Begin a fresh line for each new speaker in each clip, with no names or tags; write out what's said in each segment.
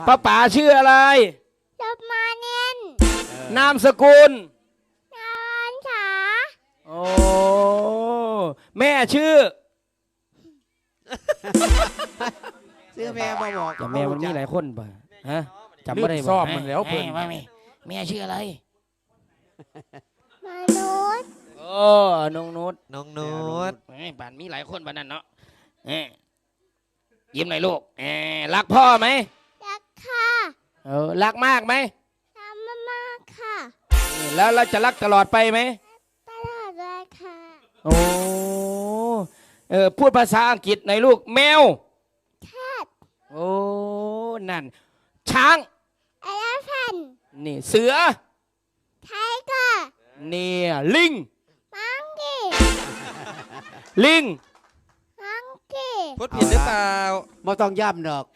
ป้าป๋าชื่ออะไร
จบมาเนียน
นามสกุล
นวันฉา
โอ้แม่ชื่อ
แม่มาบอก
แต่แม่มันมีหลายคนป่ะฮะจำไม่ได้
สอบมันแล้วเพิ่น
แม่ชื่ออะไร
มนุษย์
โอ้น้องนุช
น้องนุช
บ้านมีหลายคนบ้านนั้นเนาะยิ้มหน่อยลูกรักพ่อไหม
รักค่ะ
รักมากไหม
รักมากๆค่ะ
แล้วเราจะรักตลอดไปไหม
ตลอดเลยค่ะ
โอ้พูดภาษาอังกฤษหน่อยลูกแมว
แคท
โอ้นั่นช้าง
เอเลฟัน
นี่เสือ
ไทเกอร์
นี่ลิง
มังกี้
ลิง
มังกี้
พูดผิดหรือเปล่าไม่ต้องย่ำดอก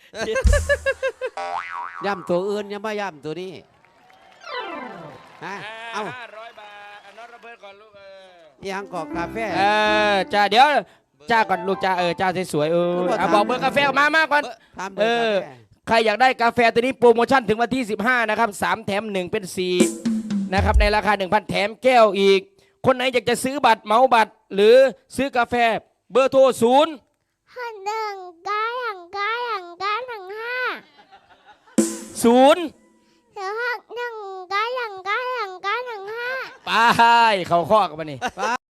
ย่ำตัวอื่นยังไม่ย่ำตัวนี้ฮะเอา
500 บาทนอตระเบิดก่อนลูก
ยังกอกกาแฟ
จ้าเดี๋ยวจ้าก่อนลูกจ้าจ้าสวยบอกเบอร์กาแฟมาก่อนใครอยากได้กาแฟตัวนี้โปรโมชั่นถึงวันที่15นะครับ3 แถม 1เป็น4นะครับในราคา 1,000 แถมแก้วอีกคนไหนอยากจะซื้อบัตรเหมาบัตรหรือซื้อกาแฟเบอร์โทร0
หันหนึ่งก้าอย่างก้าอย่างก้าหนึ่งห้า
0
เดี๋ยวหักหนึ่งก้าอย่างก้าอย่างก้าหนึ่งห้า
ไปเขาข้อกันมานี่